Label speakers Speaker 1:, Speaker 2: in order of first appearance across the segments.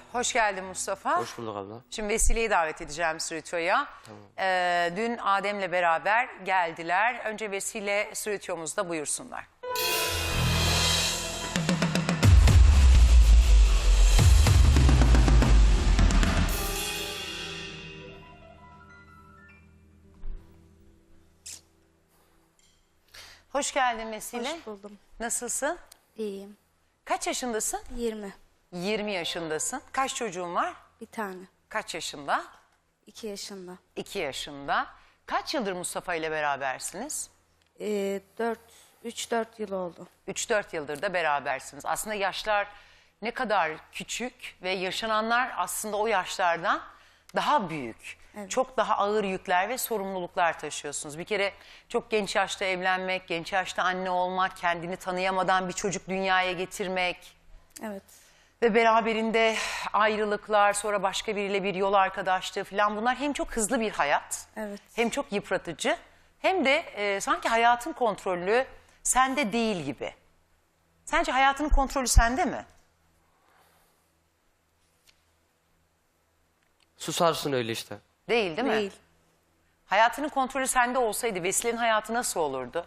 Speaker 1: Hoş geldin Mustafa.
Speaker 2: Hoş bulduk abla.
Speaker 1: Şimdi Vesile'yi davet edeceğim stüdyoya.
Speaker 2: Tamam.
Speaker 1: Dün Adem'le beraber geldiler. Önce Vesile stüdyomuzda buyursunlar. Hoş geldin Vesile.
Speaker 3: Hoş buldum.
Speaker 1: Nasılsın?
Speaker 3: İyiyim.
Speaker 1: Kaç yaşındasın?
Speaker 3: 20.
Speaker 1: 20 yaşındasın. Kaç çocuğun var?
Speaker 3: Bir tane.
Speaker 1: Kaç yaşında?
Speaker 3: 2 yaşında.
Speaker 1: 2 yaşında. Kaç yıldır Mustafa ile berabersiniz?
Speaker 3: 3-4 yıl oldu.
Speaker 1: 3-4 yıldır da berabersiniz. Aslında yaşlar ne kadar küçük ve yaşananlar aslında o yaşlardan daha büyük.
Speaker 3: Evet.
Speaker 1: Çok daha ağır yükler ve sorumluluklar taşıyorsunuz. Bir kere çok genç yaşta evlenmek, genç yaşta anne olmak, kendini tanıyamadan bir çocuk dünyaya getirmek
Speaker 3: Evet.
Speaker 1: ve beraberinde ayrılıklar, sonra başka biriyle bir yol arkadaşlığı falan, bunlar hem çok hızlı bir hayat,
Speaker 3: Evet.
Speaker 1: hem çok yıpratıcı, hem de sanki hayatın kontrolü sende değil gibi. Sence hayatının kontrolü sende mi?
Speaker 2: Susarsın öyle işte.
Speaker 1: Değil mi?
Speaker 3: Değil.
Speaker 1: Hayatının kontrolü sende olsaydı Vesile'nin hayatı nasıl olurdu?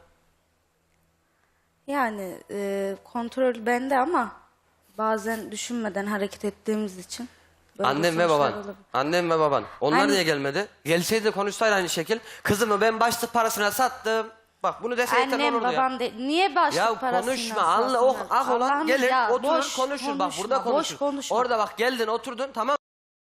Speaker 3: Yani kontrol bende ama bazen düşünmeden hareket ettiğimiz için. böyle
Speaker 2: Annem ve
Speaker 3: sonuçlar
Speaker 2: baban.
Speaker 3: olabilir.
Speaker 2: Annem ve baban. Onlar
Speaker 3: Anne-
Speaker 2: niye gelmedi? Gelseydi de konuşsaydı aynı şekil. Kızımı ben başlık parasına sattım. Bak bunu deseydi
Speaker 3: Annem
Speaker 2: olurdu ya.
Speaker 3: babam niye başlık
Speaker 2: Ya
Speaker 3: parasını
Speaker 2: konuşma. Allah o
Speaker 3: satsınlar?
Speaker 2: ah olan
Speaker 3: Allah'ım
Speaker 2: gelir
Speaker 3: ya,
Speaker 2: oturur
Speaker 3: boş
Speaker 2: konuşur. Bak burada
Speaker 3: konuşma,
Speaker 2: konuşur.
Speaker 3: boş konuşma.
Speaker 2: Orada bak geldin oturdun tamam.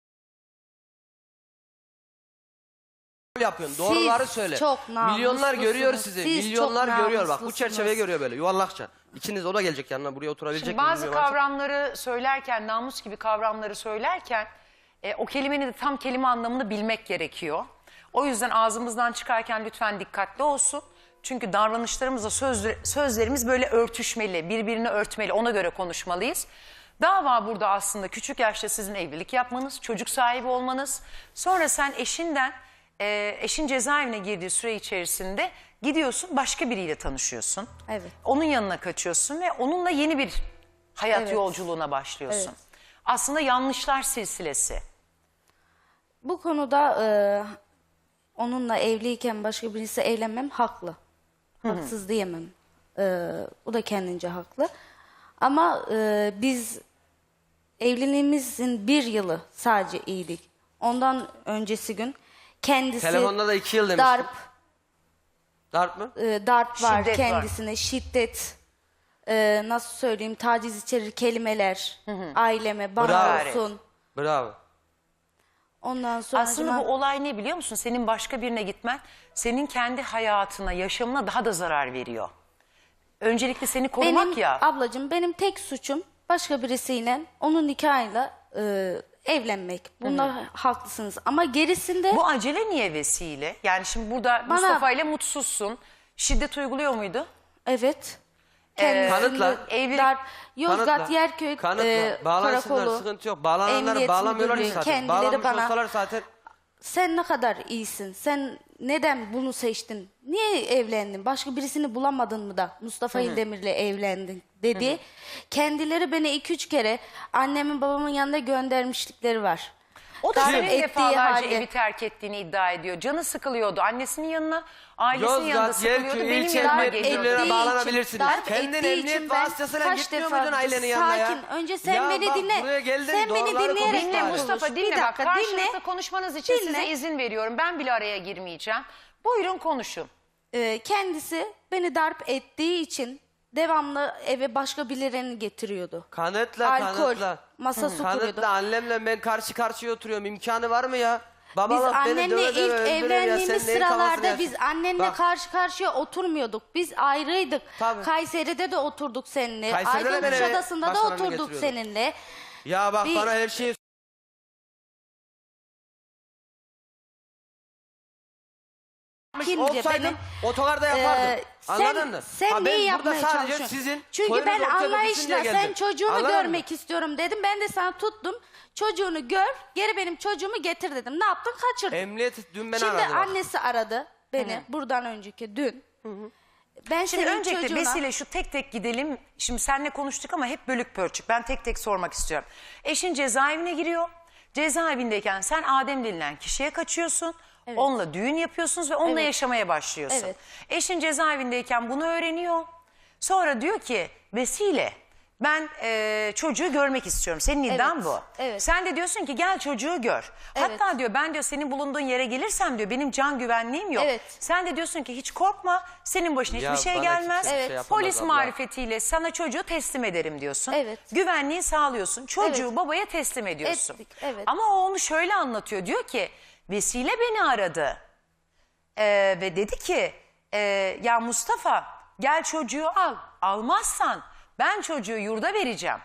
Speaker 2: Yapıyorsun.
Speaker 3: Siz
Speaker 2: Doğruları söyle.
Speaker 3: çok
Speaker 2: Milyonlar görüyor
Speaker 3: namuslusunuz.
Speaker 2: sizi.
Speaker 3: Siz
Speaker 2: Milyonlar
Speaker 3: çok
Speaker 2: görüyor bak. Bu
Speaker 3: namuslusunuz.
Speaker 2: çerçeve görüyor böyle yuvarlakça. İkiniz o da gelecek yanına buraya oturabilecek
Speaker 1: Şimdi
Speaker 2: mi
Speaker 1: bazı
Speaker 2: bilmiyorum artık.
Speaker 1: kavramları söylerken, namus gibi kavramları söylerken o kelimenin de tam kelime anlamını bilmek gerekiyor. O yüzden ağzımızdan çıkarken lütfen dikkatli olsun. Çünkü davranışlarımızla sözlerimiz böyle örtüşmeli, birbirini örtmeli, ona göre konuşmalıyız. Dava burada aslında küçük yaşta sizin evlilik yapmanız, çocuk sahibi olmanız. Sonra sen eşin cezaevine girdiği süre içerisinde gidiyorsun, başka biriyle tanışıyorsun.
Speaker 3: Evet.
Speaker 1: Onun yanına kaçıyorsun ve onunla yeni bir hayat
Speaker 3: Evet.
Speaker 1: yolculuğuna başlıyorsun.
Speaker 3: Evet.
Speaker 1: Aslında yanlışlar silsilesi.
Speaker 3: Bu konuda onunla evliyken başka birisi evlenmem haklı. Haksız diyemem. O da kendince haklı. Ama biz evliliğimizin 1 yılı sadece iyiydik. Ondan öncesi gün kendisi
Speaker 2: Telefonda da 2 yıl demiştin. Darp mı?
Speaker 3: darp var
Speaker 1: Şiddet var.
Speaker 3: kendisine, şiddet, nasıl söyleyeyim, taciz içerir kelimeler, aileme, bana
Speaker 2: Bravo.
Speaker 3: olsun.
Speaker 2: Bravo.
Speaker 3: Ondan sonra
Speaker 1: Aslında bu olay ne biliyor musun? Senin başka birine gitmen senin kendi hayatına, yaşamına daha da zarar veriyor. Öncelikle seni korumak
Speaker 3: benim
Speaker 1: ya.
Speaker 3: ablacığım, benim tek suçum başka birisiyle onun nikahıyla evlenmek. Bunda haklısınız ama gerisinde
Speaker 1: Bu acele niye vesile? Yani şimdi burada
Speaker 3: Bana-
Speaker 1: Mustafa ile mutsuzsun. Şiddet uyguluyor muydu?
Speaker 3: evet.
Speaker 2: Kanıtla.
Speaker 1: Evlilik-
Speaker 3: Yozgat
Speaker 2: Kanıtla.
Speaker 3: Yerköy
Speaker 2: Kanıtla. Bağlansınlar
Speaker 3: karakolu,
Speaker 2: sıkıntı yok. Bağlananları
Speaker 3: Emniyet
Speaker 2: bağlamıyorlar
Speaker 3: Müdürlüğü,
Speaker 2: zaten.
Speaker 3: kendileri
Speaker 2: Bağlanmış
Speaker 3: bana-
Speaker 2: olsalar zaten.
Speaker 3: sen ne kadar iyisin, sen neden bunu seçtin, niye evlendin, başka birisini bulamadın mı da Mustafa İldemir'le evlendin dedi. Kendileri beni 2-3 kere annemin babamın yanına göndermişlikleri var.
Speaker 1: O da
Speaker 3: Darp
Speaker 1: senin
Speaker 3: ettiği
Speaker 1: defalarca
Speaker 3: halde-
Speaker 1: evi terk ettiğini iddia ediyor. Canı sıkılıyordu. Annesinin yanına, ailesinin yanında
Speaker 2: Yozgat,
Speaker 1: sıkılıyordu.
Speaker 2: Yerköy,
Speaker 1: Benim
Speaker 2: ilçe
Speaker 1: yanıma
Speaker 2: emniyet
Speaker 1: geliyordu.
Speaker 2: müdürlüğüne
Speaker 3: ettiği
Speaker 2: bağlanabilirsiniz.
Speaker 3: için, darp
Speaker 2: Kendin
Speaker 3: ettiği
Speaker 2: emniyet
Speaker 3: için ben
Speaker 2: vasıtasıyla
Speaker 3: kaç
Speaker 2: gitmiyor
Speaker 3: defa-
Speaker 2: muydun ailenin yanına ya?
Speaker 3: Sakin. Önce sen
Speaker 2: Ya
Speaker 3: beni
Speaker 2: bak,
Speaker 3: dinle.
Speaker 2: buraya geldin,
Speaker 3: Sen beni
Speaker 2: doğruları
Speaker 3: dinleyerek
Speaker 2: konuş
Speaker 1: Dinle
Speaker 2: bari.
Speaker 1: Mustafa,
Speaker 3: konuş.
Speaker 1: dinle.
Speaker 3: Bir
Speaker 1: Bak,
Speaker 3: dakika,
Speaker 1: karşılıklı
Speaker 3: dinle.
Speaker 1: konuşmanız için
Speaker 3: Dinle.
Speaker 1: size izin veriyorum. Ben bile araya girmeyeceğim. Buyurun konuşun.
Speaker 3: Kendisi beni darp ettiği için devamlı eve başka birilerini getiriyordu.
Speaker 2: Kanıtla,
Speaker 3: Alkol,
Speaker 2: kanıtla.
Speaker 3: masa su kuruyordu.
Speaker 2: Kanıtla, annemle ben karşı karşıya oturuyorum. İmkanı var mı ya?
Speaker 3: Biz
Speaker 2: Babalık beni
Speaker 3: annenle
Speaker 2: döve döve
Speaker 3: ilk
Speaker 2: öldürür ya.
Speaker 3: evlendiğimiz
Speaker 2: Sen neyin kafasını
Speaker 3: sıralarda
Speaker 2: yersin?
Speaker 3: biz annenle
Speaker 2: Bak,
Speaker 3: karşı karşıya oturmuyorduk. Biz ayrıydık.
Speaker 2: Tabii.
Speaker 3: Kayseri'de de oturduk seninle.
Speaker 2: Kayseri'de de
Speaker 3: Aydın
Speaker 2: ben eve
Speaker 3: Kuşadası'nda da
Speaker 2: başkalarını
Speaker 3: oturduk
Speaker 2: getiriyordum.
Speaker 3: seninle.
Speaker 2: Ya bak
Speaker 3: Bir-
Speaker 2: bana her şeyi
Speaker 3: Kimce
Speaker 2: olsaydım
Speaker 3: beni-
Speaker 2: otogarda yapardım. Anladın
Speaker 3: sen,
Speaker 2: mı?
Speaker 3: Sen
Speaker 2: Ha, ben
Speaker 3: neyi
Speaker 2: burada
Speaker 3: yapmaya
Speaker 2: sadece
Speaker 3: çalışıyorsun?
Speaker 2: sizin
Speaker 3: Çünkü
Speaker 2: soyunuz
Speaker 3: ben
Speaker 2: ortaya dökülsün
Speaker 3: anlayışla
Speaker 2: diye
Speaker 3: sen
Speaker 2: geldim.
Speaker 3: çocuğunu
Speaker 2: Anladın mı?
Speaker 3: görmek istiyorum dedim. Ben de sana tuttum. Çocuğunu gör, geri benim çocuğumu getir dedim. Ne yaptın? Kaçırdın.
Speaker 2: Emniyet dün beni
Speaker 3: Şimdi
Speaker 2: aradı. bak.
Speaker 3: annesi aradı beni buradan önceki dün. Ben
Speaker 1: Şimdi
Speaker 3: senin
Speaker 1: öncelikle
Speaker 3: çocuğuna...
Speaker 1: Vesile şu tek tek gidelim. Şimdi seninle konuştuk ama hep bölük pörçük. Ben tek tek sormak istiyorum. Eşin cezaevine giriyor. Cezaevindeyken sen Adem denilen kişiye kaçıyorsun.
Speaker 3: Evet.
Speaker 1: Onunla düğün yapıyorsunuz ve onunla
Speaker 3: Evet.
Speaker 1: yaşamaya başlıyorsun.
Speaker 3: Evet.
Speaker 1: Eşin cezaevindeyken bunu öğreniyor. Sonra diyor ki Vesile ben çocuğu görmek istiyorum. Senin iddian
Speaker 3: Evet,
Speaker 1: bu.
Speaker 3: evet.
Speaker 1: Sen de diyorsun ki gel çocuğu gör.
Speaker 3: Evet.
Speaker 1: Hatta diyor ben diyor senin bulunduğun yere gelirsem diyor benim can güvenliğim yok.
Speaker 3: Evet.
Speaker 1: Sen de diyorsun ki hiç korkma senin başına
Speaker 2: Ya
Speaker 1: hiçbir şey
Speaker 2: bana
Speaker 1: gelmez.
Speaker 2: kimse bir şey
Speaker 3: Evet.
Speaker 2: yapamaz
Speaker 1: Polis
Speaker 2: abla.
Speaker 1: marifetiyle sana çocuğu teslim ederim diyorsun.
Speaker 3: Evet.
Speaker 1: Güvenliği sağlıyorsun. Çocuğu
Speaker 3: Evet.
Speaker 1: babaya teslim ediyorsun.
Speaker 3: Ettik, evet.
Speaker 1: Ama o onu şöyle anlatıyor. Diyor ki Vesile beni aradı. Ve dedi ki ya Mustafa gel çocuğu al. Almazsan ben çocuğu yurda vereceğim.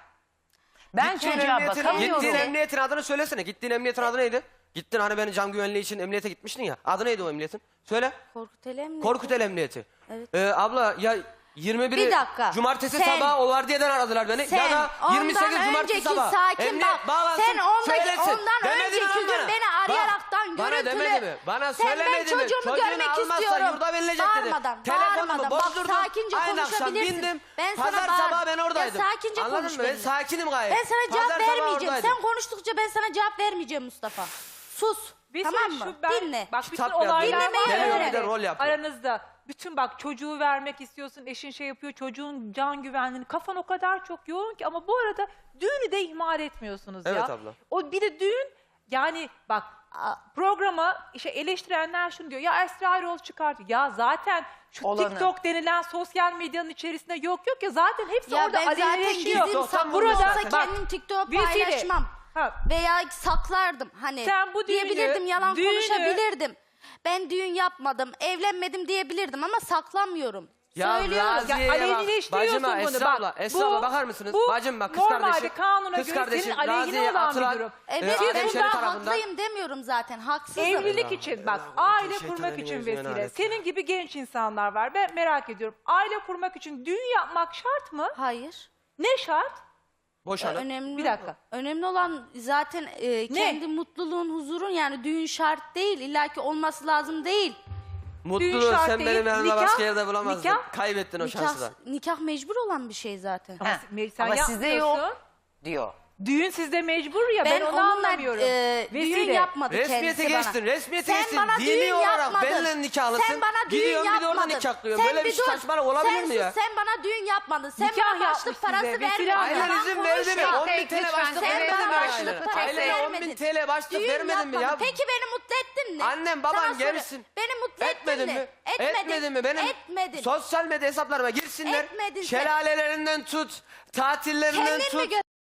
Speaker 1: Ben çocuğa bakamıyorum.
Speaker 2: Gittiğin emniyetin adını söylesene. Gittiğin emniyetin adı neydi? Gittin hani beni can güvenliği için emniyete gitmiştin ya. Adı neydi o emniyetin? Söyle.
Speaker 3: Korkutel Emniyeti.
Speaker 2: Korkutel Emniyeti.
Speaker 3: Evet.
Speaker 2: Abla ya 21'i
Speaker 3: Bir dakika.
Speaker 2: cumartesi
Speaker 3: Sen-
Speaker 2: sabahı o vardiyeden aradılar beni.
Speaker 3: Sen
Speaker 2: Ya da 28
Speaker 3: ondan
Speaker 2: cumartesi
Speaker 3: önceki
Speaker 2: sabah.
Speaker 3: sakin
Speaker 2: Emniyet
Speaker 3: bak.
Speaker 2: bağlansın,
Speaker 3: Sen
Speaker 2: söylesin.
Speaker 3: ondan
Speaker 2: Demedi mi
Speaker 3: önceki
Speaker 2: lan
Speaker 3: gün
Speaker 2: bana?
Speaker 3: beni arayaraktan
Speaker 2: Bana
Speaker 3: görüntülü.
Speaker 2: demedi mi? Bana
Speaker 3: Sen
Speaker 2: söylemedi
Speaker 3: ben
Speaker 2: mi?
Speaker 3: çocuğumu
Speaker 2: Çocuğunu
Speaker 3: görmek
Speaker 2: almazsa
Speaker 3: istiyorum.
Speaker 2: yurda verilecek dedi.
Speaker 3: Bağırmadan,
Speaker 2: Telefonumu
Speaker 3: bağırmadan. Bak
Speaker 2: bozdurdum.
Speaker 3: sakince
Speaker 2: Aynı akşam
Speaker 3: konuşabilirsin.
Speaker 2: bindim.
Speaker 3: Ben
Speaker 2: Pazar
Speaker 3: sana bağır-
Speaker 2: sabahı ben oradaydım.
Speaker 3: Ya sakince
Speaker 2: Anladın
Speaker 3: konuş
Speaker 2: mı? Ben
Speaker 3: benimle.
Speaker 2: sakinim gayet.
Speaker 3: Ben sana cevap
Speaker 2: Pazar sabahı
Speaker 3: vermeyeceğim.
Speaker 2: oradaydım.
Speaker 3: Sen konuştukça ben sana cevap vermeyeceğim Mustafa. Sus. Tamam mı? Dinle.
Speaker 4: Bak bütün
Speaker 2: Kitap yazdım.
Speaker 4: olaylar
Speaker 3: Dinlemeyi
Speaker 4: var ya
Speaker 3: öğren.
Speaker 2: Bir de rol yapıyor.
Speaker 4: aranızda. Bütün bak çocuğu vermek istiyorsun, eşin şey yapıyor, çocuğun can güvenliğini. Kafan o kadar çok yoğun ki ama bu arada düğünü de ihmal etmiyorsunuz ya.
Speaker 2: Evet abla.
Speaker 4: O bir de düğün yani bak programa işte eleştirenler şunu diyor. Ya Esra Erol çıkartıyor. Ya zaten şu
Speaker 1: Olanı.
Speaker 4: TikTok denilen sosyal medyanın içerisinde yok ya zaten hepsi
Speaker 3: Ya
Speaker 4: orada
Speaker 3: ben zaten
Speaker 4: alevleşiyor.
Speaker 3: gizlim
Speaker 2: Tam
Speaker 3: saklı
Speaker 2: burada
Speaker 3: olsa
Speaker 2: zaten.
Speaker 3: kendim TikTok'a
Speaker 4: Vesile.
Speaker 3: paylaşmam.
Speaker 4: Ha.
Speaker 3: Veya saklardım hani.
Speaker 4: Sen bu düğünü,
Speaker 3: diyebilirdim, yalan
Speaker 4: düğünü-
Speaker 3: konuşabilirdim. Ben düğün yapmadım, evlenmedim diyebilirdim ama saklamıyorum. Söylüyorum.
Speaker 2: Raziye'ye
Speaker 4: Ya
Speaker 2: bak.
Speaker 4: aleyhileştiriyorsun
Speaker 2: Bacıma,
Speaker 4: bunu.
Speaker 2: Esra
Speaker 4: Bak,
Speaker 2: abla, Esra
Speaker 4: bu-
Speaker 2: abla bakar mısınız?
Speaker 4: bu
Speaker 2: Bacım bak kız
Speaker 4: normalde
Speaker 2: kardeşim.
Speaker 4: kanuna
Speaker 2: Kız
Speaker 4: göre
Speaker 2: kardeşim
Speaker 4: senin aleyhine
Speaker 2: Raziye
Speaker 4: olan bir
Speaker 2: atılan,
Speaker 4: durum.
Speaker 3: Evet
Speaker 4: Siz
Speaker 3: ben
Speaker 2: Şerif
Speaker 3: bundan
Speaker 2: tarafından.
Speaker 3: haklıyım demiyorum zaten. Haksızım.
Speaker 4: Evlilik için bak aile kurmak için vesile. Senin gibi genç insanlar var. Ben merak ediyorum. Aile kurmak için düğün yapmak şart mı?
Speaker 3: Hayır.
Speaker 4: Ne şart?
Speaker 2: Boşanıp.
Speaker 3: Önemli.
Speaker 4: Bir dakika.
Speaker 3: Önemli olan zaten kendi mutluluğun, huzurun, yani düğün şart değil. İlla ki olması lazım değil.
Speaker 2: Mutluluğu
Speaker 4: şart
Speaker 2: sen
Speaker 4: değil,
Speaker 2: benim yanımda
Speaker 4: nikah-
Speaker 2: başka yerde bulamazdın.
Speaker 4: nikah-
Speaker 2: Kaybettin o şansı da.
Speaker 3: Nikah mecbur olan bir şey zaten.
Speaker 4: Ama, sen
Speaker 1: Ama sizde
Speaker 4: yapmıyorsun.
Speaker 1: yok diyor.
Speaker 4: Düğün sizde mecbur ya. Ben, onu
Speaker 3: onunla
Speaker 4: anlamıyorum.
Speaker 3: düğün
Speaker 4: Vesile.
Speaker 3: yapmadı
Speaker 2: Resmiyete
Speaker 3: kendisi
Speaker 2: geçtin,
Speaker 3: bana.
Speaker 2: resmiyete
Speaker 3: Sen
Speaker 2: geçtin.
Speaker 3: bana
Speaker 2: Dini
Speaker 3: düğün
Speaker 2: olarak
Speaker 3: yapmadın.
Speaker 2: benimle nikahlısın.
Speaker 3: Sen bana düğün
Speaker 2: Gidiyorsun bir de
Speaker 3: yapmadın.
Speaker 2: orada nikahlıyorsun.
Speaker 3: Sen
Speaker 2: Böyle bir
Speaker 3: bir dur.
Speaker 2: saçmalık olabilir
Speaker 3: Sen
Speaker 2: mi ya?
Speaker 3: sus, sen bana düğün yapmadın. Sen
Speaker 4: Nikah
Speaker 3: bana başlık
Speaker 4: yapmış
Speaker 3: parası
Speaker 4: size, vesile
Speaker 3: vermedin.
Speaker 4: abla.
Speaker 2: Ailen
Speaker 3: Yalan
Speaker 2: izin verdi mi?
Speaker 3: konuşma.
Speaker 2: 10 bin TL
Speaker 1: Lütfen,
Speaker 2: başlık
Speaker 1: sen
Speaker 2: vermedin mi
Speaker 3: bana
Speaker 2: ailene?
Speaker 3: başlık parası
Speaker 2: Ailene 10 bin
Speaker 3: vermedin.
Speaker 2: TL başlık
Speaker 3: Düğün
Speaker 2: vermedin mi ya?
Speaker 3: yapmadın. Peki beni mutlu ettin mi?
Speaker 2: Annem baban
Speaker 3: Sana soruyorum.
Speaker 2: gelsin.
Speaker 3: Beni mutlu
Speaker 2: Etmedin
Speaker 3: ettin
Speaker 2: mi?
Speaker 3: Etmedin.
Speaker 2: Etmedin mi? Benim
Speaker 3: Etmedin.
Speaker 2: sosyal medya hesaplarıma girsinler.
Speaker 3: Etmedin sen.
Speaker 2: Şelalelerinden tut, tatillerinden
Speaker 3: Kendin mi
Speaker 2: tut.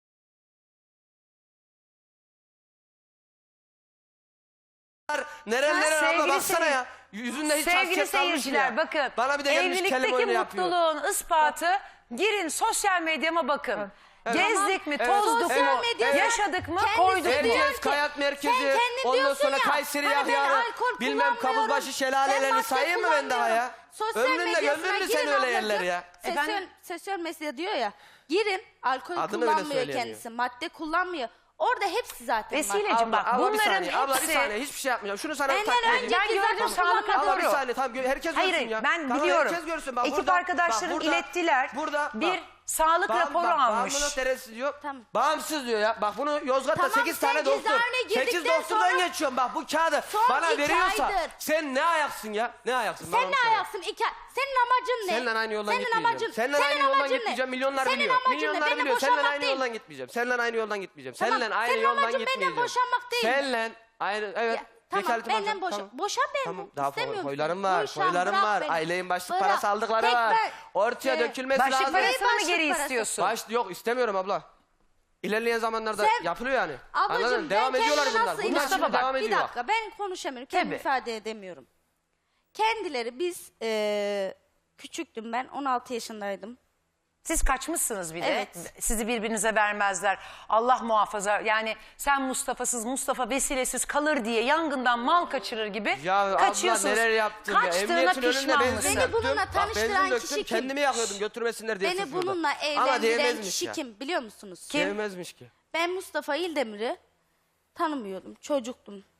Speaker 2: Nereler abla
Speaker 1: Sevgili
Speaker 2: baksana
Speaker 1: seyir-
Speaker 2: ya. Yüzünde hiç
Speaker 1: Sevgili
Speaker 2: hasket kalmış
Speaker 1: seyirciler
Speaker 2: ya.
Speaker 1: bakın.
Speaker 2: Bana bir de gelmiş kelime
Speaker 1: Evlilikteki
Speaker 2: oyunu yapıyor.
Speaker 1: mutluluğun ispatı girin sosyal medyama bakın. Gezdik mi,
Speaker 2: Evet.
Speaker 1: tozduk
Speaker 3: Sosyal
Speaker 1: mu,
Speaker 3: medyada
Speaker 1: yaşadık mı,
Speaker 3: kendisi
Speaker 1: koyduk mu?
Speaker 3: diyor
Speaker 2: Erciyes
Speaker 3: ki,
Speaker 2: Kayak Merkezi,
Speaker 3: sen kendin
Speaker 2: ondan
Speaker 3: diyorsun
Speaker 2: sonra
Speaker 3: ya,
Speaker 2: Kayseri
Speaker 3: hani ben
Speaker 2: Yahya'lı,
Speaker 3: alkol
Speaker 2: bilmem
Speaker 3: kullanmıyorum,
Speaker 2: Kabuzbaşı
Speaker 3: ben
Speaker 2: şelalelerini
Speaker 3: madde
Speaker 2: sayayım mı ben daha ya?
Speaker 3: kullanmıyorum. Sosyal
Speaker 2: Ömrünle
Speaker 3: medyasına
Speaker 2: gömdün mü
Speaker 3: girin
Speaker 2: sen öyle
Speaker 3: ablacığım.
Speaker 2: yerleri ya?
Speaker 3: Sosyal medya diyor ya. Girin, alkol
Speaker 2: Adını öyle
Speaker 3: kullanmıyor
Speaker 2: söyleyemiyor.
Speaker 3: kendisi, madde kullanmıyor. Orada hepsi zaten var.
Speaker 1: Vesileciğim bak
Speaker 2: Abla bir
Speaker 1: bunların
Speaker 2: saniye, abla bir
Speaker 1: hepsi...
Speaker 2: saniye hiçbir şey yapmayacağım. Şunu sana
Speaker 3: Benden
Speaker 2: takdim edeyim.
Speaker 3: önceki
Speaker 1: Ben gördüm,
Speaker 3: zaten
Speaker 1: sağlık
Speaker 3: kullanmadım.
Speaker 2: Abla bir
Speaker 1: raporu.
Speaker 2: saniye tamam herkes
Speaker 1: Hayır
Speaker 2: görsün ya.
Speaker 1: ben
Speaker 2: Tamam,
Speaker 1: biliyorum.
Speaker 2: herkes görsün. Bak,
Speaker 1: Ekip
Speaker 2: burada,
Speaker 1: arkadaşlarım
Speaker 2: bak, burada,
Speaker 1: ilettiler.
Speaker 2: Burada
Speaker 1: bir
Speaker 2: bak.
Speaker 1: sağlık raporu almış.
Speaker 2: Bağımlılık derecesi diyor.
Speaker 3: Tamam.
Speaker 2: Bağımsız diyor ya. Bak bunu Yozgat'ta
Speaker 3: Tamam,
Speaker 2: 8
Speaker 3: sen
Speaker 2: tane doktor.
Speaker 3: cezaevine
Speaker 2: 8
Speaker 3: girdikten
Speaker 2: doktordan
Speaker 3: sonra-
Speaker 2: geçiyorum. Bak bu kağıdı
Speaker 3: Son
Speaker 2: bana
Speaker 3: 2
Speaker 2: veriyorsa
Speaker 3: aydır.
Speaker 2: sen ne ayaksın ya? Ne ayaksın? Bana
Speaker 3: Sen
Speaker 2: onu
Speaker 3: ne
Speaker 2: söyle.
Speaker 3: ayaksın? Senin amacın ne?
Speaker 2: Seninle aynı yoldan
Speaker 3: Senin
Speaker 2: gitmeyeceğim.
Speaker 3: amacın,
Speaker 2: Seninle aynı
Speaker 3: senin
Speaker 2: yoldan
Speaker 3: amacın ne?
Speaker 2: gitmeyeceğim. Milyonlar
Speaker 3: Senin
Speaker 2: biliyor.
Speaker 3: amacın ne?
Speaker 2: Milyonlar
Speaker 3: Beni
Speaker 2: biliyor. Seninle
Speaker 3: boşanmak
Speaker 2: aynı
Speaker 3: değil.
Speaker 2: yoldan gitmeyeceğim. Seninle aynı yoldan gitmeyeceğim.
Speaker 3: Tamam,
Speaker 2: Seninle aynı
Speaker 3: senin
Speaker 2: yoldan
Speaker 3: amacın benden
Speaker 2: gitmeyeceğim.
Speaker 3: boşanmak değil mi?
Speaker 2: Seninle aynı evet.
Speaker 3: Ya, tamam
Speaker 2: Vekaletim
Speaker 3: benden
Speaker 2: alacağım,
Speaker 3: boşan.
Speaker 2: tamam.
Speaker 3: Boşan ben.
Speaker 2: Tamam daha
Speaker 3: İstemiyorum
Speaker 2: foylarım
Speaker 3: seni.
Speaker 2: var,
Speaker 3: Boşan,
Speaker 2: foylarım
Speaker 3: bırak
Speaker 2: var.
Speaker 3: beni.
Speaker 2: Ailenin başlık
Speaker 3: Bırak.
Speaker 2: parası aldıkları
Speaker 3: Tek
Speaker 2: var.
Speaker 3: ben-
Speaker 2: Ortaya dökülmesi
Speaker 1: Başlık
Speaker 2: lazım.
Speaker 1: parasını mı
Speaker 3: başlık
Speaker 1: geri
Speaker 3: parası.
Speaker 1: istiyorsun?
Speaker 2: Yok istemiyorum abla. İlerleyen zamanlarda
Speaker 3: Sen-
Speaker 2: yapılıyor yani.
Speaker 3: Ablacığım
Speaker 2: Anladın?
Speaker 3: ben
Speaker 2: Devam ediyorlar
Speaker 3: kendime
Speaker 2: bunlar.
Speaker 3: nasıl
Speaker 2: Bunlar
Speaker 3: inanıyorum?
Speaker 2: şimdi devam
Speaker 3: Bir
Speaker 2: ediyor.
Speaker 3: dakika ben konuşamıyorum. Kendimi
Speaker 1: Tabii.
Speaker 3: ifade edemiyorum. Kendileri biz küçüktüm ben 16 yaşındaydım.
Speaker 1: Siz kaçmışsınız bir de.
Speaker 3: Evet.
Speaker 1: Sizi birbirinize vermezler. Allah muhafaza. Yani sen Mustafa'sız, Mustafa vesilesiz kalır diye yangından mal kaçırır gibi
Speaker 2: Ya abla
Speaker 1: kaçıyorsunuz.
Speaker 2: neler yaptın ya.
Speaker 1: Kaçtığına
Speaker 2: Emniyetin önünde
Speaker 1: pişman
Speaker 2: benzin
Speaker 1: mısın?
Speaker 3: Beni
Speaker 2: döktüm.
Speaker 3: bununla
Speaker 2: Bak,
Speaker 3: tanıştıran
Speaker 2: benzin
Speaker 3: kişi
Speaker 2: döktüm.
Speaker 3: kim?
Speaker 2: Kendimi yakıyordum götürmesinler diye
Speaker 3: Beni
Speaker 2: suçluyordum.
Speaker 3: bununla
Speaker 2: Ama
Speaker 3: evlendiren
Speaker 2: diyemezmiş
Speaker 3: kişi
Speaker 2: ya.
Speaker 3: kim biliyor musunuz?
Speaker 1: Kim?
Speaker 2: Diyemezmiş ki.
Speaker 3: Ben Mustafa İldemir'i tanımıyordum. Çocuktum.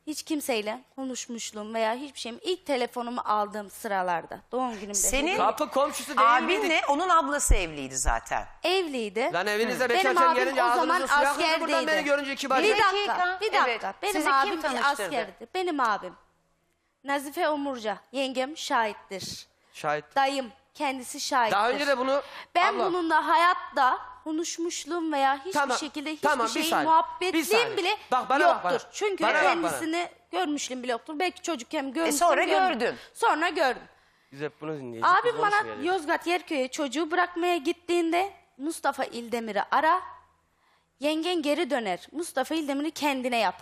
Speaker 3: hiç kimseyle konuşmuşluğum veya hiçbir şeyim ilk telefonumu aldığım sıralarda doğum günümde
Speaker 1: Senin
Speaker 2: Kapı komşusu değil miydik?
Speaker 1: abinle onun ablası evliydi zaten.
Speaker 3: evliydi.
Speaker 2: Lan evinize
Speaker 3: Benim
Speaker 2: bekarken
Speaker 3: abim
Speaker 2: gelince
Speaker 3: o zaman
Speaker 2: ağzınızı su yakındı buradan
Speaker 3: askerdeydi.
Speaker 2: beni görünce kibar.
Speaker 3: Bir
Speaker 1: dakika,
Speaker 3: dakika, bir dakika.
Speaker 1: evet.
Speaker 3: Benim
Speaker 1: Sizi kim
Speaker 3: abim bir
Speaker 1: tanıştırdı?
Speaker 3: askerdi. Benim abim. Nazife Omurca, yengem şahittir.
Speaker 2: Şahit.
Speaker 3: Dayım kendisi şahittir.
Speaker 2: Daha önce de bunu...
Speaker 3: Ben
Speaker 2: Abla,
Speaker 3: bununla hayatta konuşmuşluğum veya hiçbir
Speaker 2: Tamam,
Speaker 3: şekilde hiçbir
Speaker 2: tamam, bir
Speaker 3: şey
Speaker 2: saniye, bir
Speaker 3: muhabbetliğim
Speaker 2: saniye.
Speaker 3: bile
Speaker 2: Bak, bana bak,
Speaker 3: yoktur.
Speaker 2: bana.
Speaker 3: Çünkü
Speaker 2: Bana bak,
Speaker 3: kendisini görmüşlüğüm bile yoktur. Belki çocukken görmüştüm.
Speaker 1: sonra
Speaker 3: görmedim.
Speaker 1: gördün.
Speaker 3: Sonra gördüm.
Speaker 2: Biz hep bunu dinleyeceğiz.
Speaker 3: Abim
Speaker 2: biz
Speaker 3: bana
Speaker 2: konuşmayalım.
Speaker 3: Yozgat Yerköy'e çocuğu bırakmaya gittiğinde Mustafa İldemir'i ara. Yengen geri döner. Mustafa İldemir'i kendine yap.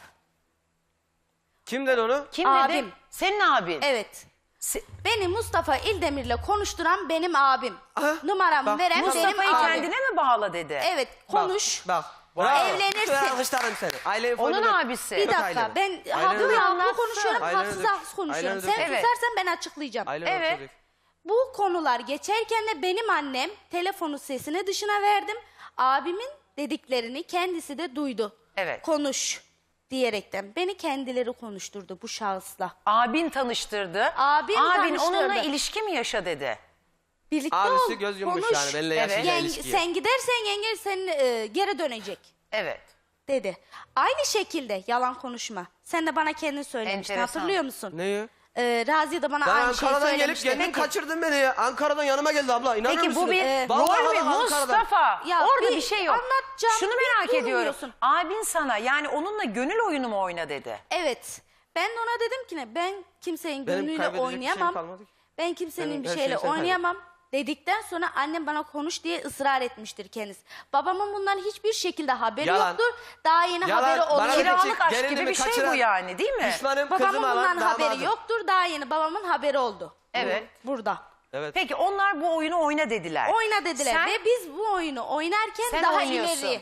Speaker 2: Kim dedi onu?
Speaker 1: Kim
Speaker 3: Abim.
Speaker 1: dedi? Senin abin.
Speaker 3: Evet.
Speaker 1: Se-
Speaker 3: Beni Mustafa İldemir'le konuşturan benim abim.
Speaker 2: Aha,
Speaker 3: Numaramı
Speaker 2: bak,
Speaker 3: veren benim
Speaker 1: Mustafa'yı
Speaker 3: abim.
Speaker 1: kendine mi bağla dedi?
Speaker 3: Evet konuş.
Speaker 2: Bak. Bravo.
Speaker 3: Evlenirsin.
Speaker 2: Ben alkışlarım seni. Ailenin
Speaker 1: Onun
Speaker 2: foyunu-
Speaker 1: abisi.
Speaker 3: Bir
Speaker 2: Yok
Speaker 3: dakika
Speaker 2: ailenin.
Speaker 3: ben
Speaker 2: Ailenin
Speaker 3: haklı
Speaker 2: öyle-
Speaker 3: haklı
Speaker 1: anlatsın.
Speaker 3: konuşuyorum,
Speaker 2: Ailenin
Speaker 3: haksız
Speaker 2: öyle-
Speaker 3: haksız konuşuyorum.
Speaker 2: Ailenin
Speaker 3: Sen
Speaker 2: öyle-
Speaker 1: Evet.
Speaker 3: susarsan ben açıklayacağım.
Speaker 2: Ailenin
Speaker 1: Evet.
Speaker 2: öyle-
Speaker 3: Bu konular geçerken de benim annem telefonu sesini dışına verdim. Abimin dediklerini kendisi de duydu.
Speaker 1: Evet.
Speaker 3: Konuş diyerekten. Beni kendileri konuşturdu bu şahısla.
Speaker 1: Abin tanıştırdı.
Speaker 3: Abim
Speaker 1: Abin
Speaker 3: tanıştırdı.
Speaker 1: onunla ilişki mi yaşa dedi?
Speaker 3: Birlikte
Speaker 2: Abisi
Speaker 3: ol,
Speaker 2: göz yummuş
Speaker 3: konuş.
Speaker 2: yani benimle
Speaker 1: Evet.
Speaker 2: yaşayacağı ilişkiye.
Speaker 3: Sen gidersen yenge senin geri dönecek
Speaker 1: Evet.
Speaker 3: dedi. Aynı şekilde yalan konuşma. Sen de bana kendin söylemiştin,
Speaker 1: Enteresan.
Speaker 3: hatırlıyor musun?
Speaker 2: Neyi?
Speaker 3: Raziye de bana
Speaker 2: Ben
Speaker 3: aynı şeyi
Speaker 2: Ankara'dan gelip
Speaker 3: söylemişti.
Speaker 2: kendin kaçırdın beni ya. Ankara'dan yanıma geldi abla. İnanır
Speaker 1: Peki
Speaker 2: mısın?
Speaker 1: bu bir
Speaker 2: Vallahi
Speaker 1: rol mü?
Speaker 2: bak Ankara'dan.
Speaker 1: Mustafa
Speaker 3: Ya
Speaker 1: orada
Speaker 3: bir
Speaker 1: bir şey yok.
Speaker 3: anlatacağım,
Speaker 1: Şunu
Speaker 3: bir
Speaker 1: merak ediyorum.
Speaker 3: durmuyorsun.
Speaker 1: Abin sana yani onunla gönül oyunu mu oyna dedi?
Speaker 3: Evet. Ben de ona dedim ki ne, ben kimsenin
Speaker 2: Benim
Speaker 3: gönlüyle
Speaker 2: kaybedecek bir
Speaker 3: oynayamam.
Speaker 2: şeyim kalmadı ki.
Speaker 3: Ben kimsenin
Speaker 2: Benim
Speaker 3: bir
Speaker 2: her
Speaker 3: şeyle
Speaker 2: şeyi sen
Speaker 3: oynayamam dedikten sonra annem bana konuş diye ısrar etmiştir kendisi. Babamın bundan hiçbir şekilde haberi
Speaker 2: Yalan.
Speaker 3: yoktur. Daha yeni
Speaker 2: Yalan.
Speaker 3: haberi
Speaker 2: Bana
Speaker 3: oluyor.
Speaker 2: bir
Speaker 1: Kiralık aşk
Speaker 2: gelinimi
Speaker 1: gibi bir şey
Speaker 2: kaçıran
Speaker 1: bu yani değil mi?
Speaker 2: Düşmanım
Speaker 3: Babamın
Speaker 2: kızım alan
Speaker 3: bundan haberi
Speaker 2: damadım.
Speaker 3: yoktur. Daha yeni babamın haberi oldu.
Speaker 1: Evet.
Speaker 3: Burada.
Speaker 2: Evet.
Speaker 1: Peki onlar bu oyunu oyna dediler.
Speaker 3: Oyna dediler
Speaker 1: Sen-
Speaker 3: ve biz bu oyunu oynarken
Speaker 1: Sen
Speaker 3: daha
Speaker 1: oynuyorsun.
Speaker 3: ileri.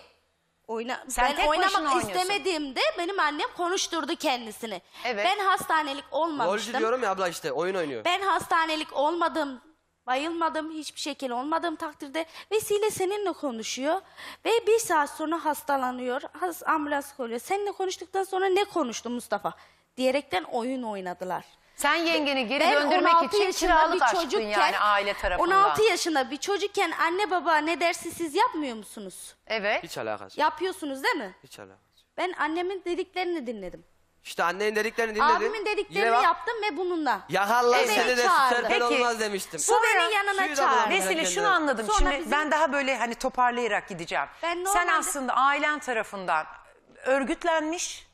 Speaker 1: Sen
Speaker 3: Ben
Speaker 1: tek başına
Speaker 3: oynamak
Speaker 1: oynuyorsun.
Speaker 3: istemediğimde benim annem konuşturdu kendisini.
Speaker 1: Evet.
Speaker 3: Ben hastanelik
Speaker 2: Rolcü
Speaker 3: olmamıştım.
Speaker 2: diyorum ya abla işte oyun oynuyor.
Speaker 3: Ben hastanelik olmadım, bayılmadım, hiçbir şekilde olmadığım takdirde Vesile seninle konuşuyor ve bir saat sonra hastalanıyor, ambulans koyuyor. Seninle konuştuktan sonra ne konuştu Mustafa? Diyerekten oyun oynadılar.
Speaker 1: Sen yengeni geri
Speaker 3: Ben
Speaker 1: döndürmek
Speaker 3: 16
Speaker 1: için
Speaker 3: yaşında
Speaker 1: kiralık
Speaker 3: bir
Speaker 1: aşktın
Speaker 3: çocukken,
Speaker 1: yani aile tarafından.
Speaker 3: 16 yaşında bir çocukken anne baba ne derse siz yapmıyor musunuz?
Speaker 1: Evet.
Speaker 2: Hiç alakası.
Speaker 3: Yapıyorsunuz değil mi?
Speaker 2: Hiç alakası.
Speaker 3: Ben annemin dediklerini dinledim.
Speaker 2: İşte annenin dediklerini dinledin.
Speaker 3: Abimin dediklerini
Speaker 2: Yine bak,
Speaker 3: yaptım ve bununla.
Speaker 2: Yakarlar
Speaker 3: Ve
Speaker 2: seni
Speaker 3: beni
Speaker 2: de
Speaker 3: çağırdı.
Speaker 2: serpel
Speaker 1: Peki,
Speaker 2: olmaz demiştim.
Speaker 3: Bu beni yanına
Speaker 2: Suyu da
Speaker 3: çağırdı.
Speaker 2: bırakın
Speaker 1: Vesile
Speaker 2: kendine.
Speaker 1: şunu anladım.
Speaker 3: Sonra
Speaker 1: Şimdi
Speaker 3: bizim-
Speaker 1: ben daha böyle hani toparlayarak gideceğim.
Speaker 3: Ben
Speaker 1: Sen
Speaker 3: normalde-
Speaker 1: aslında ailen tarafından örgütlenmiş,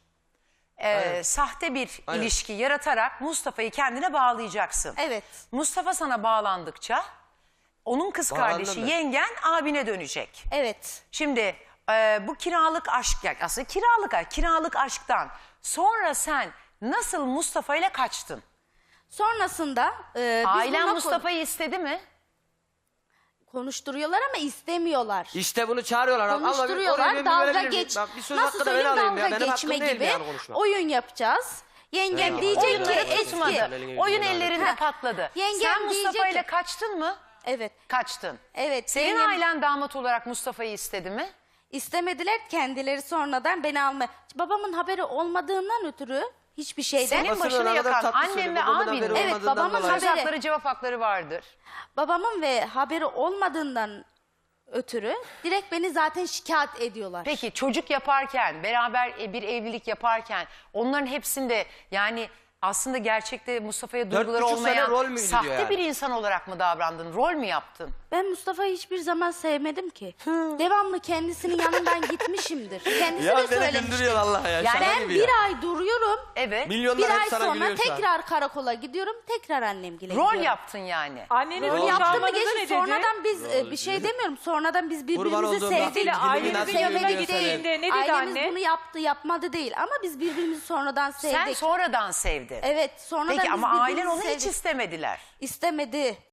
Speaker 1: sahte bir
Speaker 2: Aynen.
Speaker 1: ilişki yaratarak Mustafa'yı kendine bağlayacaksın.
Speaker 3: Evet.
Speaker 1: Mustafa sana bağlandıkça onun kız
Speaker 2: Bağlandım
Speaker 1: kardeşi
Speaker 2: ben.
Speaker 1: yengen abine dönecek.
Speaker 3: Evet.
Speaker 1: Şimdi bu kiralık aşk yani aslında kiralık aşktan sonra sen nasıl Mustafa ile kaçtın?
Speaker 3: Sonrasında biz
Speaker 1: Ailen
Speaker 3: bununla
Speaker 1: Mustafa'yı istedi mi?
Speaker 3: konuşturuyorlar ama istemiyorlar.
Speaker 2: İşte bunu çağırıyorlar. Ama
Speaker 3: Konuşturuyorlar,
Speaker 2: oraya bir
Speaker 3: dalga
Speaker 2: verebilir miyim?
Speaker 3: geç.
Speaker 2: Bak, bir söz
Speaker 3: Nasıl
Speaker 2: hakkı da ben
Speaker 3: söyleyeyim,
Speaker 2: alayım ya.
Speaker 3: dalga
Speaker 2: Benim
Speaker 3: geçme
Speaker 2: hakkım değil mi
Speaker 3: gibi
Speaker 2: yani konuşmak?
Speaker 3: oyun yapacağız. Yengem
Speaker 2: Evet.
Speaker 3: diyecek ki
Speaker 1: Oyunları
Speaker 3: eski.
Speaker 1: tutmadı.
Speaker 2: Elini
Speaker 1: Oyun
Speaker 2: yüzünü
Speaker 1: ellerinde
Speaker 3: Ha.
Speaker 1: patladı.
Speaker 3: Yengem
Speaker 1: Sen Mustafa
Speaker 3: diyecek
Speaker 1: ile
Speaker 3: ki-
Speaker 1: kaçtın mı?
Speaker 3: Evet.
Speaker 1: Kaçtın.
Speaker 3: Evet.
Speaker 1: Senin
Speaker 3: yengem-
Speaker 1: ailen damat olarak Mustafa'yı istedi mi?
Speaker 3: İstemediler, kendileri sonradan beni almaya. Babamın haberi olmadığından ötürü hiçbir şeyden.
Speaker 1: Senin
Speaker 2: Babasının
Speaker 1: başını
Speaker 2: ne kadar
Speaker 1: yakan
Speaker 2: tatlı
Speaker 1: annem
Speaker 2: söylüyor,
Speaker 1: ve
Speaker 2: babamın
Speaker 1: abin
Speaker 2: haberi
Speaker 1: mi?
Speaker 3: Evet,
Speaker 2: olmadığından
Speaker 3: babamın
Speaker 2: dolayı.
Speaker 1: Söz
Speaker 3: haberi-
Speaker 1: hakları cevap hakları vardır.
Speaker 3: Babamın ve haberi olmadığından ötürü direkt beni zaten şikayet ediyorlar.
Speaker 1: Peki çocuk yaparken beraber bir evlilik yaparken onların hepsinde yani aslında gerçekte Mustafa'ya duyguları
Speaker 2: 4,5 sene rol
Speaker 1: olmayan
Speaker 2: müydü
Speaker 1: sahte
Speaker 2: diyor yani?
Speaker 1: bir insan olarak mı davrandın? Rol mü yaptın?
Speaker 3: Ben Mustafa'yı hiçbir zaman sevmedim ki. Devamlı kendisinin yanından gitmişimdir. Kendisi de
Speaker 2: Ya beni
Speaker 3: söylemiştir.
Speaker 2: güldürüyor Allah ya. şaka
Speaker 3: Ben
Speaker 2: gibi
Speaker 3: bir
Speaker 2: ya.
Speaker 3: ay duruyorum.
Speaker 1: Evet.
Speaker 2: Milyonlar
Speaker 3: Bir
Speaker 2: hep
Speaker 3: ay
Speaker 2: sana
Speaker 3: sonra
Speaker 2: gülüyor şu an.
Speaker 3: tekrar karakola gidiyorum. Tekrar annemgile
Speaker 1: Rol
Speaker 3: gidiyorum.
Speaker 1: yaptın yani.
Speaker 4: Annenin
Speaker 3: Rol
Speaker 4: rol
Speaker 3: yaptım mı
Speaker 4: yaptığını
Speaker 3: geçti.
Speaker 4: ne dedi?
Speaker 3: Sonradan biz bir şey demiyorum. Sonradan biz
Speaker 2: Kurban
Speaker 3: birbirimizi
Speaker 2: olduğum
Speaker 3: sevdik.
Speaker 2: Vesile,
Speaker 4: ailenizin
Speaker 2: nasıl
Speaker 4: yanına
Speaker 2: gülüyor
Speaker 4: gittiğinde
Speaker 2: seni?
Speaker 4: ne dedi
Speaker 3: Ailemiz
Speaker 4: anne?
Speaker 3: bunu yaptı yapmadı değil. Ama biz birbirimizi sonradan sevdik.
Speaker 1: Sen sonradan sevdin.
Speaker 3: Evet sonradan
Speaker 1: Peki
Speaker 3: biz
Speaker 1: ama
Speaker 3: birbirimizi
Speaker 1: ailen onu hiç
Speaker 3: sevdik.
Speaker 1: istemediler.
Speaker 3: İstemedi.